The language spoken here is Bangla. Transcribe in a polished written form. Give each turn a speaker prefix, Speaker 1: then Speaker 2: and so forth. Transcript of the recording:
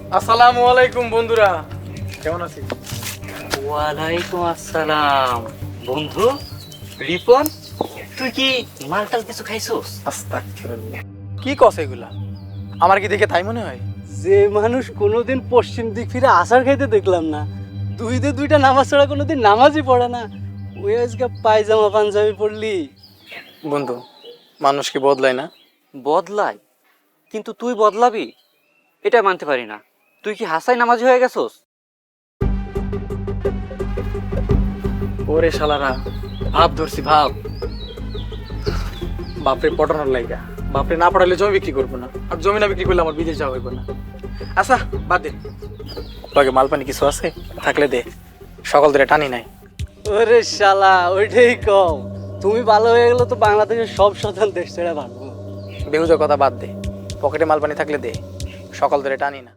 Speaker 1: আসসালামু আলাইকুম বন্ধুরা, কেমন আছি?
Speaker 2: ওয়ালাইকুম আসসালাম। বন্ধু রিপন, তুই কি মালটাল কিছু খাইছোস?
Speaker 1: আস্তাগফিরুল্লাহ। কি কস এগুলা? আমার কি দেখে তাই মনে হয়?
Speaker 3: যে মানুষ কোনোদিন পশ্চিম দিক ফিরে আসার খাইতে দেখলাম না, দুইটা নামাজ ছাড়া কোনোদিন নামাজই পড়ে না, ওই আজকে পায়জামা পাঞ্জাবি পড়লি।
Speaker 1: বন্ধু, মানুষ কি বদলায় না?
Speaker 2: বদলাই, কিন্তু তুই বদলাবি এটা মানতে পারি না। তুই কি হাসাই নামাজি হয়ে গেছোস?
Speaker 1: ওরে শালারা, ভাব ধরছি ভাব। বাপরে পটানোর লাইগা, বাপরে না পড়াইলে জমি বিক্রি করবো না, আর জমি না বিক্রি করলে আমার বিদেশ যাওয়া হইব না। আচ্ছা বাদ দে, তোকে মাল পানি কিছু আছে থাকলে দে, সকাল ধরে টানি নাই।
Speaker 3: ওরে শালা, ওইটাই কম। তুমি ভালো হয়ে গেলে তো বাংলাদেশের সব স্বতন্ত্র দেশ ছেড়ে ভাগবো।
Speaker 1: বেহুজা কথা বাদ দে, পকেটে মাল পানি থাকলে দে, সকাল ধরে টানি না।